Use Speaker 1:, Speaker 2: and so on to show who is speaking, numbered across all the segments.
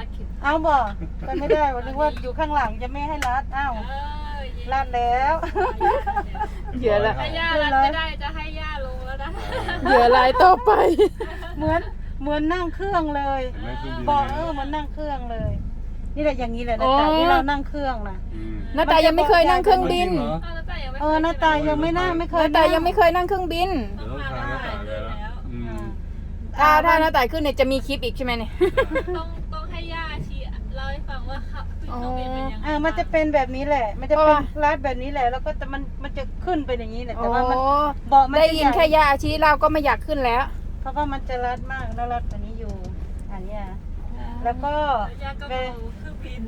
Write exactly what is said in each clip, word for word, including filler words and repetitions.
Speaker 1: รัดเข็ม
Speaker 2: เอาบ่ไปไม่ได้วันนึกว่าอยู่ข้างหลังจะไม่ให้รัดอ้าวรัดแล้ว
Speaker 3: เหยื่อละ
Speaker 1: ถ้าย่ารัดไม่ได้จะให้ย่าลงแล้วนะ
Speaker 3: เหยื่อลายต่อไป
Speaker 2: เหมือนเหมือนนั่งเครื่องเลย
Speaker 4: เห็นไหมเครื่องบิน
Speaker 2: บอกเออเหมันนั่งเครื่องเลย นี่แหละอย่างนี้แหละนะแต่ที่เรานั่งเครื่องนะ
Speaker 4: อืม
Speaker 3: น้าตายังไม่เคยนั่งเครื่องบิน
Speaker 4: จริงเหรอ
Speaker 2: เออหน้าตายังไม่นั่งไม่เคย
Speaker 3: น้าตายังไม่เคยนั่งเครื่องบิน
Speaker 4: เดี๋ยวต้องพาหน้าตาไปแล้วอืม
Speaker 3: ถ้าถ้าน้าตาขึ้นเนี่ยจะมีคลิปอีกใช่ไหมเนี่ย
Speaker 1: ต้องต้องให้ย่าชี้เล่าให้ฟังว่าเขาขึ้นเครื่องบินเป็นยังไง
Speaker 2: อ่ามันจะเป็นแบบนี้แหละ มันจะ
Speaker 3: เพราะ
Speaker 2: เป็น
Speaker 3: ว่า
Speaker 2: รัดแบบนี้แหละ แล้วก็จะมันมันจะขึ้นไปอย่างนี้แหละ
Speaker 3: โอ้
Speaker 2: แต่ว่ามันเบาะมัน
Speaker 3: ได้
Speaker 2: จะ
Speaker 3: ยิน
Speaker 2: ใหญ่
Speaker 3: แค่ยาอาชีเราก็ไม่อยากขึ้นแล้ว
Speaker 2: เพราะว่ามันจะรัดมากแล้วรัดกว่านี้อยู่ อันเนี้ยแล้วก็
Speaker 1: ย่าก็
Speaker 2: เป็
Speaker 1: เมาน เครื่องบิน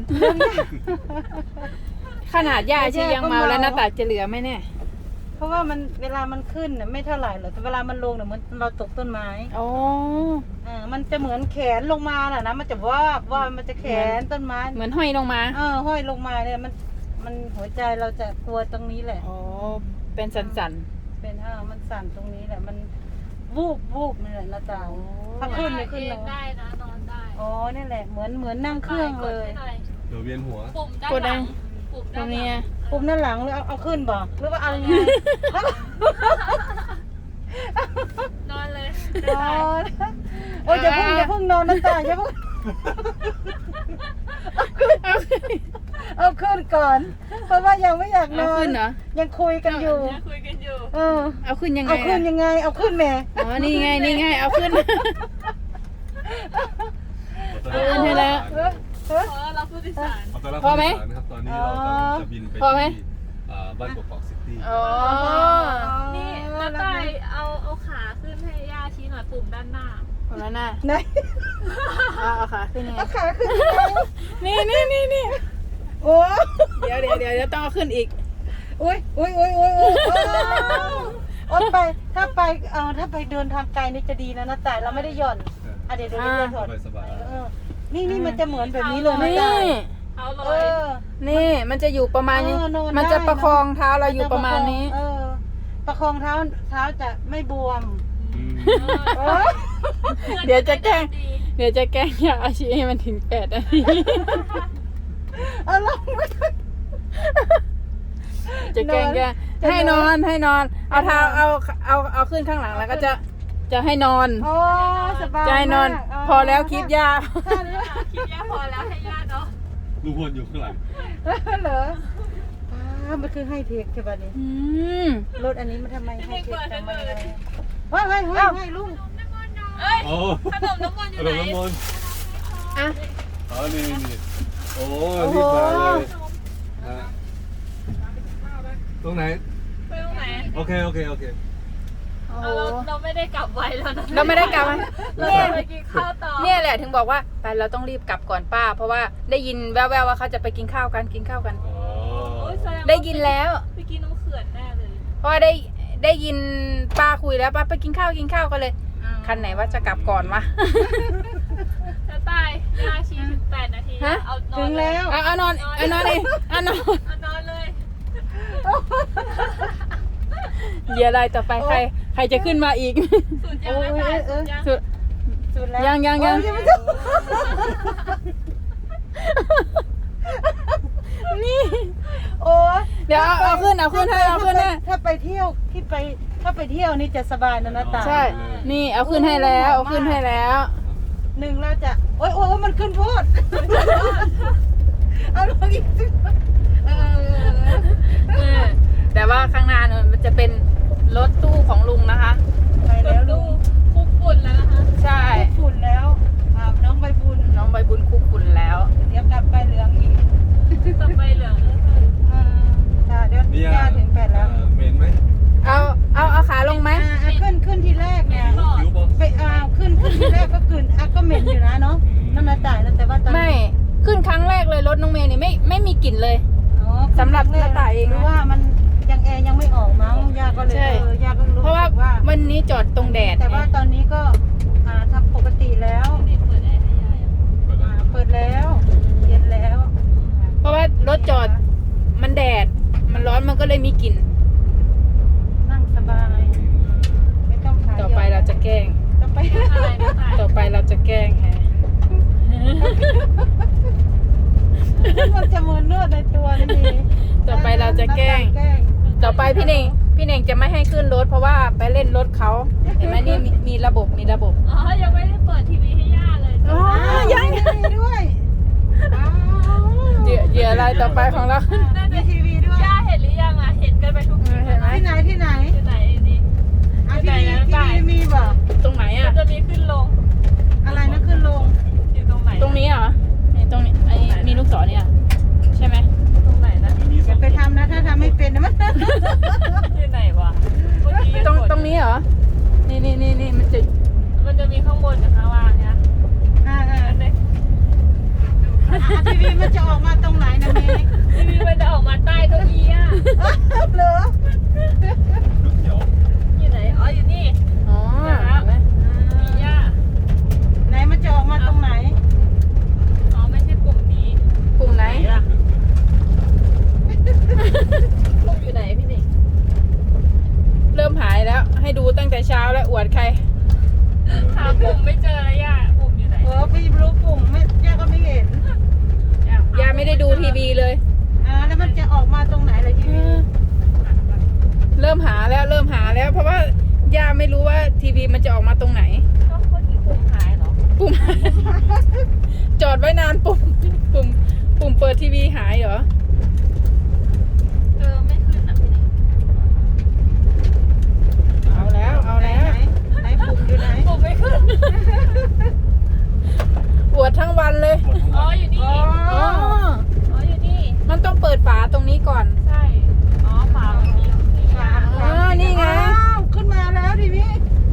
Speaker 3: ขนาดยาอาชียังเมาแล้วน้าตาจะเหลือไหมเนี่ย
Speaker 2: เพราะว่ามันเวลามันขึ้นน่ะไม่เท่าไหร่หรอกแต่เวลามันลงเนี่ยเหมือนเราตกต้นไม้
Speaker 3: โอ้
Speaker 2: อ่ามันจะเหมือนแขนลงมาน่ะนะมันจะวาบว่ามันจะแขนต้นไม้
Speaker 3: เหมือนห้อยลงมา
Speaker 2: เออห้อยลงมาเนี่ยมันมันหัวใจเราจะตัวตรงนี้แหละ
Speaker 3: โอ้เป็นสัน
Speaker 2: เป็นเออมันสั่นตรงนี้แหละมันวูบวูบนี่แหละนะจ๊ะถ้าขึ้นเนี่ยขึ้น
Speaker 1: เอ
Speaker 2: ล
Speaker 1: ง
Speaker 2: ง
Speaker 1: ได้นะนอนได้
Speaker 2: อ๋อนี่แหละเหมือนเหมือนนั่งเครื่องเลย
Speaker 1: กดให้หน่อย
Speaker 4: เดี๋ยวเวียนหัว
Speaker 1: ปุ่มด้านหลังปุ่ม
Speaker 3: ๆตร
Speaker 1: ด้าน
Speaker 3: ง
Speaker 1: หลั
Speaker 3: นี้
Speaker 1: ง
Speaker 2: ปุ่มด้านหลังหรือเอาเอาขึ้นบ่หรือว่าเอายังไง
Speaker 1: นอนเลย
Speaker 2: นอนโอ้ยอย่าเพิ่งอย่าเพิ่งนอนนะจ๊ะอย่าเพิ่งเอาขึ้นก่อน เพราะว่ายังไม่อยากน
Speaker 3: เอา
Speaker 2: อน
Speaker 3: ขึ้นเหรอ
Speaker 2: ยังคุยกันอยู่
Speaker 1: ยังคุยกันอยู่
Speaker 2: เออ
Speaker 3: เอาขึ้นยังไง
Speaker 2: เอาขึ้น
Speaker 3: อะ
Speaker 2: ยังไง เอาขึ้นแม่
Speaker 3: อ๋อนี่ไงนี่ไงเอาขึ้น เอาขึ้นให้แล้ว
Speaker 2: เออเออ
Speaker 1: เพราะเราผู้โดยสาร
Speaker 4: เอาตัวรับ
Speaker 3: พอไหม
Speaker 4: ผู้โดยสารนะครับตอนนี้เรากำลังจะบินไป
Speaker 3: พอไหม
Speaker 4: ที่อ่าบ้านกอกๆซิตี้
Speaker 3: อ๋อ
Speaker 1: นี่น้าตายเอาเอาขาขึ้นให้ย่าชี้หน่อยปุ่มด้านหน้า
Speaker 3: คนละหน้า
Speaker 2: ไหน
Speaker 3: เอาเอาขาขึ้นยังไง
Speaker 2: เอาขาขึ้นยังไง
Speaker 3: นี่นี่นี่นี่
Speaker 2: โอ้
Speaker 3: เดี๋ยวเดี๋ยวเดี๋ยวเดี๋ยวต้องเอาขึ้นอีก
Speaker 2: อุ้ยอุ้ยอุ้ยอุ้ยอุ้ยโอ๊ยไปถ้าไปเออถ้าไปเดินทางไกลนี่จะดีนะนะแต่เราไม่ได้หย่อนอ่ะเดี๋ยวเดี๋ยวเดี๋ยวถอด
Speaker 4: สบาย
Speaker 2: เออนี่นี่มันจะเหมือนแบบนี้เลยนะ
Speaker 3: นี่
Speaker 2: จ๊ะ
Speaker 1: เอาเล
Speaker 2: เอย อ
Speaker 3: นี่มันจะอยู่ประมาณนี้
Speaker 2: เออนอนได้
Speaker 3: มันจะประคองเท้าเราอยู่ประมาณนี้
Speaker 2: เออประคองเท้าเท้าจะไม่บวม
Speaker 4: ๆอืม
Speaker 2: เออ
Speaker 3: เดี๋ยวจะแกล้ง เดี๋ยวจะแกล้งยาอาชีให้มันถึงแปดนาที
Speaker 2: เอาลองไป
Speaker 3: จะแกล้งแกล้ง
Speaker 2: จะนอน
Speaker 3: ให้นอนให้นอน เอาเท้าเอาเอาเอาขึ้นข้างหลังแล้วก็จะจะให้นอน
Speaker 2: โอ้สบาย
Speaker 3: จะให้นอน
Speaker 2: มาก
Speaker 3: พอแล้วคลิปยา
Speaker 2: ถ้าเหรอ
Speaker 1: คิดย่าพอแล้วให้ย่าเนาะ
Speaker 4: ลูกพลอยู่ข้างหลัง
Speaker 2: เหรอป้ามันคือให้เทคใช่ป่ะนี่
Speaker 3: อืม
Speaker 2: รถอันนี้มันทำไมให้เทคทำไมอะไรว้ายว้ายว้ายว้ายลุง
Speaker 1: เอ้ย
Speaker 4: โอ้
Speaker 1: ขนมน้ำมันอ
Speaker 4: ข
Speaker 1: ยู่
Speaker 4: น
Speaker 1: ไหน
Speaker 4: มน้ำมนต์
Speaker 3: อ่ะ
Speaker 4: อ๋อนี่นี่โอ้รีบมาเลยฮะตรงไหน
Speaker 1: ไปตรงไหน
Speaker 4: โอเคโอเคโอเค
Speaker 3: โอ้
Speaker 1: เอาเราเราไม่ได้กลับไวแล้วนะ
Speaker 3: เราไม่ได้กลับมา
Speaker 1: เรา
Speaker 3: เนี่ย
Speaker 1: จะไปกินข้าวต่อ
Speaker 3: เนี่ยแหละถึงบอกว่าไปเราต้องรีบกลับก่อนป้า เพราะว่าได้ยินแว่วๆว่าเขาจะไปกินข้าวกันกินข้าวกัน
Speaker 4: อ๋อ
Speaker 1: โอ้ยแสดงว่า
Speaker 3: ได้ยินแล้ว
Speaker 1: ไปกินน้ำเขื่อนแน่เลย
Speaker 3: เพราะว่าได้ได้ยินป้าคุยแล้วป้าไปกินข้าวกินข้าวกันเลย คันไหนว่าจะกลับก่อนวะ
Speaker 1: จะตายย่าชี้ถึงแปดนาที
Speaker 3: ฮะ
Speaker 1: เอานอ
Speaker 2: ถึ
Speaker 1: น
Speaker 2: ง
Speaker 1: เลย
Speaker 2: แล้ว
Speaker 3: เอาเอานอนเอานอนเองเอานอน
Speaker 1: เอานอนเลย
Speaker 3: เหยื่ออะไรต่อไปใคร ใครจะขึ้นมาอีก
Speaker 1: สุดยังไม่ตายสุดยัง
Speaker 3: สุด
Speaker 2: สุดแล้ว
Speaker 3: ยังยังยัง
Speaker 2: โอ้ไม่ถึง
Speaker 3: นี่
Speaker 2: โอ้ย
Speaker 3: เดี๋ยวเอาเอาขึ้นเอาขึ้นให้เอาขึ้นให้
Speaker 2: ถ้าไปเที่ยวที่ไปถ้าไปเที่ยวนี่จะสบายนะนะตา
Speaker 3: ใช่ นี่เอาขึ้นให้แล้วเอาขึ้นให้แล้ว
Speaker 2: หนึ่งเราจะโอ้ยโอ้ยมันขึ้นโพดเอาลงอีกสิเออ
Speaker 3: เออแต่ว่าข้างหน้าเนี่ยมันจะเป็นรถตู้ของลุงนะคะ
Speaker 2: ไปแล้ว
Speaker 1: ดู
Speaker 2: ลุง
Speaker 1: คุกฝุ่นแล้วนะคะ
Speaker 3: ใช่
Speaker 2: ฝุ่นแล้วอ่าน้องใบบุญ
Speaker 3: น้องใบบุญคุกคุนแล้ว
Speaker 2: เดี๋ยวกลับไปเหลืองอีก
Speaker 1: จะไปเหลือง
Speaker 2: อ่าจ้ะเดี๋ยว
Speaker 4: นี่
Speaker 2: ย่าถึงแปดแล้ว
Speaker 4: เอ่อเมนไหม
Speaker 3: เอาเอาเอาขาลงไหม
Speaker 2: อ่าอ่ะขึ้นขึ้นทีแรกเนี่ย
Speaker 4: คิวบอ
Speaker 2: ไปอ่าขึ้นขึ้นทีแรกก็ขึ้นอ่ะก็เหม็นอยู่นะเนาะนั่นนะจ่ายนะแต่ว่าตอน
Speaker 3: ไม่ขึ้นครั้งแรกเลยรถน้องเมย์นี่ไม่ไม่มีกลิ่นเลย
Speaker 2: อ๋อ
Speaker 3: สำหรับหน้าต่ายเองนะ
Speaker 2: หรือว่ามันยังแอร์ยังไม่ออกมั้งย่าก็เลย
Speaker 3: ใช่
Speaker 2: เออย่าก็รู้
Speaker 3: เพราะว่า
Speaker 2: สึกว่า
Speaker 3: วันนี้จอดตรงแดด
Speaker 2: แต่ว่า
Speaker 3: ไง
Speaker 2: ตอนนี้ก็อ่าทำปกติแล้ว
Speaker 1: นี่เปิดแอร์ให้ยายอ่ะ
Speaker 4: เปิดแล้
Speaker 2: อ่าว เปิดแล้วเย็นแล้ว
Speaker 3: เพราะว่ารถจอดมันแดด มันร้อนมันก็เลยมีกลิ่น
Speaker 2: นั่งสบายไม่ต้องขาย
Speaker 3: ต่อไปเราจะแกล้ง
Speaker 2: ต่อไป
Speaker 1: อะไรนะตาย
Speaker 3: ต่อไปเราจะแกล้งฮะ
Speaker 2: จะมานวดในตัวนี่
Speaker 3: ต่อไปเราจะแกล้ง
Speaker 2: แกล้ง
Speaker 3: ต่อไปพี่เน่งพี่เน่งจะไม่ให้ขึ้นรถเพราะว่าไปเล่นรถเขาเห็นไหมนี่มีมีระบบมีระบบ
Speaker 1: อ๋อ ยังไม่ได้เปิดทีวีให้ย่าเลย
Speaker 3: อ๋อ
Speaker 2: ยัง
Speaker 3: ยัง
Speaker 2: มีด้วยอ้าว
Speaker 3: เหยื่อเหยื่ออะไรต่อไปของเรา
Speaker 2: มีทีวีด้วย
Speaker 1: ย่าเห็นหรือยังอ่ะ เห็นกันไปทุกที
Speaker 3: เห็นไหม
Speaker 2: ที่ไหนที่ไหน
Speaker 1: ที่ไหนนี่
Speaker 2: อ่ะ
Speaker 1: ที่
Speaker 2: ที่
Speaker 1: ไหน
Speaker 2: นี่
Speaker 1: นะ
Speaker 2: ที่
Speaker 1: ป้าย
Speaker 2: นี่มีบ่
Speaker 3: ตรงไหน
Speaker 1: มั
Speaker 3: อ่ะ
Speaker 1: นจะมีขึ้นลง
Speaker 2: อะไรนะขึ้นลง
Speaker 1: อยู่ตรงไหน
Speaker 3: ตรงนี้เหรอนี่ตรงนี้ไอ้มีลูกศรเนี่ยใช่ไหม
Speaker 1: ตรงไหนนะ
Speaker 4: มันมี
Speaker 2: อ
Speaker 4: สอย่าง
Speaker 2: ไปทำนะถ้าทำไม่เป็นนะมัน
Speaker 1: ที่ไหนวะเมื่อกี้
Speaker 3: ตรง
Speaker 1: กด
Speaker 3: ตรงนี้เหรอนี่นี่นี่นี่มันจะ
Speaker 1: มันจะมีข้างบนกับข้างล่างเนี่ย
Speaker 2: อ่าอ่า
Speaker 1: อันนี้
Speaker 2: อ่ะทีวีมันจะออกมาตรงไหนนะเมย์
Speaker 1: ทีวีมันจะออกมาใต้เก้าอี้อ่ะ
Speaker 2: เหรอ
Speaker 4: ลูกเขียว
Speaker 1: อยู่ไหน อ๋อ อยู่นี่
Speaker 3: อ๋อเห็นไหม
Speaker 1: มีย่า
Speaker 2: ไหนมันจะออกมาตรงไหน
Speaker 1: อ๋อ ไม่ใช่ปุ่มนี้
Speaker 3: ปุ่มไหน
Speaker 1: ไหนล่ะปุ่มอยู่ไหนพี่หนิง
Speaker 3: เริ่มหายแล้วให้ดูตั้งแต่เช้าแล้วอวดใคร
Speaker 1: หาปุ่มไม่เจอแล้วย่า ปุ่มอยู่ไหน
Speaker 2: เออพี่รู้ปุ่มไม่ย่าก็ไม่เห็น
Speaker 3: ยาไม่ได้ดูทีวีเลย
Speaker 2: อ่าแล้วมันจะออกมาตรงไหนล่ะทีวี
Speaker 3: เริ่มหาแล้วเริ่มหาแล้ว เพราะว่าย่าไม่รู้ว่าทีวีมันจะออกมาตรงไหน
Speaker 1: ก็เมื่อกี้ปุ่มหายเหรอ
Speaker 3: ปุ่ม จอดไว้นานปุ่มปุ่มปุ่มเปิดทีวีหายเหรอ
Speaker 1: เออ ไม่ขึ้นอ่ะพี่หนิง
Speaker 3: เอาแล้วเอาแล้ว
Speaker 2: ไหนไหนปุ่มอยู่ไหน
Speaker 1: ปุ่มไม่ขึ้น
Speaker 3: ปวดทั้งวันเลย
Speaker 4: หมดทั้ง
Speaker 1: อ๋อ
Speaker 4: วัน
Speaker 1: อยู่นี่
Speaker 2: อ๋อ
Speaker 3: อ๋อ
Speaker 1: อ๋อ อยู่นี่
Speaker 3: มันต้องเปิดฝาตรงนี้ก่อน
Speaker 1: ใช่ อ๋อฝามันมีมียา
Speaker 3: อ๋อนี่ไง
Speaker 2: อ้าวขึ้นมาแล้วทีวี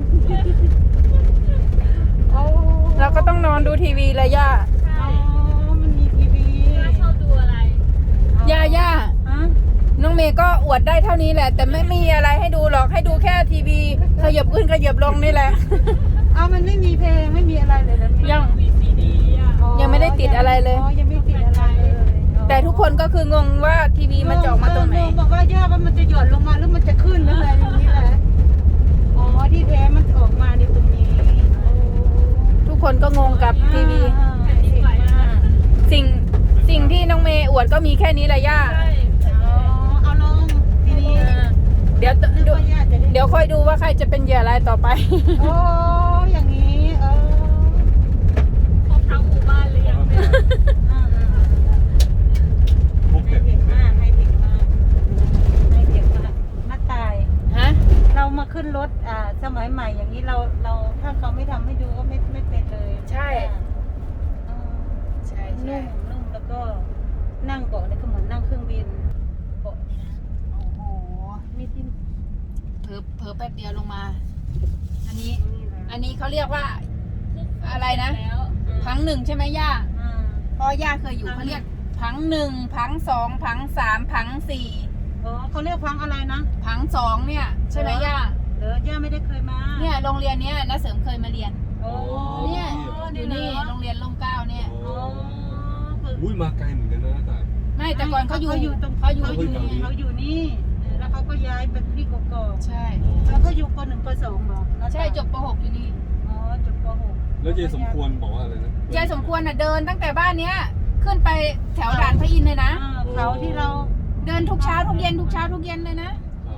Speaker 2: โอ้
Speaker 3: เราก็ต้องนอนดูทีวีเลยย่า
Speaker 1: ใช่
Speaker 2: อ๋อมันมีทีวี
Speaker 1: ย่าชอบดูอะไร
Speaker 3: ย่าย่า
Speaker 2: อ่ะ
Speaker 3: น้องเมย์ก็อวดได้เท่านี้แหละ แต่ไม่มีอะไรให้ดูหรอกให้ดูแค่ทีวีขยับขึ้นขยับลงนี่แหละ
Speaker 2: เอามันไม่มีเพลงไม่มีอะไรเลยนะ
Speaker 3: ยัง
Speaker 1: มีซีดีอ่ะ
Speaker 2: อ๋อ
Speaker 3: ยังไม่ได้ติดอะไรเลย
Speaker 2: อ๋อยังไม่ติดอะไรเลย
Speaker 3: แต่ทุกคนก็คืองงว่าทีวีมันจะออกมาตรงไหน
Speaker 2: เออบอกว่าย่าว่ามันจะหย่อนลงมาหรือมันจะขึ้นหรืออะไรอย่างนี้แหละอ๋อที่แท้มันออกมาในตรงนี้โอ้
Speaker 3: ทุกคนก็งงกับทีวี
Speaker 2: อ่า
Speaker 1: แผ่นดินไหวมาก
Speaker 3: สิ่งสิ่งที่น้องเมย์อวดก็มีแค่นี้แหละย่า
Speaker 1: ใช่
Speaker 2: อ๋อเอาลงทีนี้
Speaker 3: เดี๋ยว
Speaker 2: นึก
Speaker 3: ดู
Speaker 2: ว่าย่าจะได้
Speaker 3: เดี๋ยวค่อยดูว่าใครจะเป็นเหยื่ออะไรายต่อไป
Speaker 2: โอ้อย่างนี้เออ
Speaker 1: ครบทั้งหมู่บ้านเลยยังเนี่ย
Speaker 2: อ่า
Speaker 4: พวก
Speaker 2: ให้
Speaker 4: เด็ก
Speaker 2: เด็กมากให้เด็กมากให้เด็กมากมาตาย
Speaker 3: ฮะ
Speaker 2: เรามาขึ้นรถอ่าสมัยใหม่อย่างนี้เราเราถ้าเขาไม่ทำให้ดูก็ไม่ไม่เป็นเลย
Speaker 3: ใช่
Speaker 2: อ่า
Speaker 3: ใช่ใช่
Speaker 2: นุ่มนุ่มแล้วก็นั่งเบาะนี่ก็เหมือนนั่งเครื่องบินเบาะนี่นะ
Speaker 3: โอ้โห
Speaker 2: มีที่
Speaker 3: เผลอเผลอแป๊บเดียวลงมา อันนี้
Speaker 2: นี่นะ
Speaker 3: อันนี้เขาเรียกว่าอะไรนะ
Speaker 1: แล้ว
Speaker 3: พังหนึ่งใช่ไหมย่า
Speaker 2: อ่า
Speaker 3: เพราะย่าเคยอยู่เขาเรียกพังหนึ่งพังสองพังสามพังสี่
Speaker 2: อ๋อเขาเรียกพังอะไรนะ
Speaker 3: พังสองเนี่ยใช่ไหมย่า
Speaker 2: เดี๋ยวย่าไม่ได้เคยมา
Speaker 3: เนี่ยโรงเรียนเนี้ยน้าเสริมเคยมาเรียน
Speaker 2: โอ้
Speaker 3: เนี่ยอยู่นี่โรงเรียนร่มเกล้าเนี่ย
Speaker 4: โอ้
Speaker 2: อ๋อ
Speaker 4: อุ้ยมาไกลเหมือนกันนะแต่
Speaker 3: ไม่แต่ก่อนเขาอยู่
Speaker 2: เขาอยู่ตรง
Speaker 3: เขาอยู่
Speaker 2: เขาอยู่
Speaker 3: ที่นี่
Speaker 2: เขาอยู่นี่เออแล้วเขาก็ย้ายไปที่กอก
Speaker 3: ใช่
Speaker 2: ๆแล้วเขาอยู่ปหนึ่งปสองเหรอ
Speaker 3: ใช่จบป .หก อยู่นี่
Speaker 2: อ๋อจบปหก
Speaker 4: แล้วเจสมควรบอกว่าอะไรนะ
Speaker 3: ยายสมควรน่ะเดินตั้งแต่บ้านเนี้ย ขึ้นไปแถวด่านพระอินทร์เลยนะ
Speaker 2: อ่าเขาที่เรา
Speaker 3: เดินทุกเช้าทุกเย็นทุกเช้าทุกเย็นเลยนะ
Speaker 4: ครับ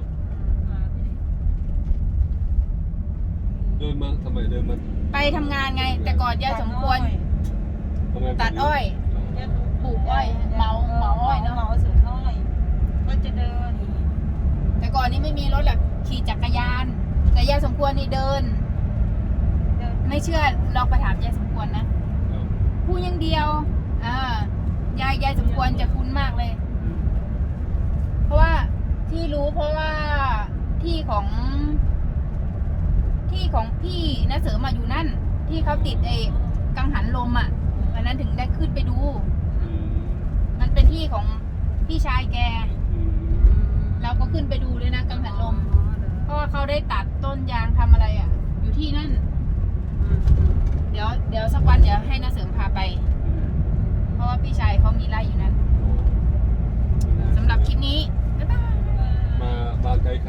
Speaker 4: เดินมาทำไมเดินมา
Speaker 3: ไปทำงานไง แต่ก่อนยายสมควร
Speaker 4: ทำไม
Speaker 3: ตัดอ้อย ปลูกอ้อยเหมาเหมาอ้อยเนอะ
Speaker 2: เหมาสวนอ้อยก็จะเดิน
Speaker 3: แต่ก่อนนี้ไม่มีรถหรอกขี่จักรยาน แต่ยายสมควรนี่เดิน
Speaker 2: เดิน
Speaker 3: ไม่เชื่อลองไปถามยายสมควรนะพูดอย่างเดียวอ่ายายยายสมควรจะคุ้นมากเลย เพราะว่าที่รู้เพราะว่าที่ของที่ของพี่นะเสริมมาอยู่นั่น ที่เขาติดไอ้กังหันลมอ่ะวันนั้นถึงได้ขึ้นไปดู
Speaker 4: อืม
Speaker 3: มันเป็นที่ของพี่ชายแก
Speaker 4: อืม
Speaker 3: เราก็ขึ้นไปดูเลยนะกังหันลม เพราะว่าเขาได้ตัดต้นยางทำอะไรอ่ะ อยู่ที่นั่น เดี๋ยวเดี๋ยวสักวันเดี๋ยวให้นาเสริมพาไป เพราะว่าพี่ชายเขามีไร่อยู่นั้นสำหรับคลิปนี้ บ๊ายบาย
Speaker 4: มามาไกล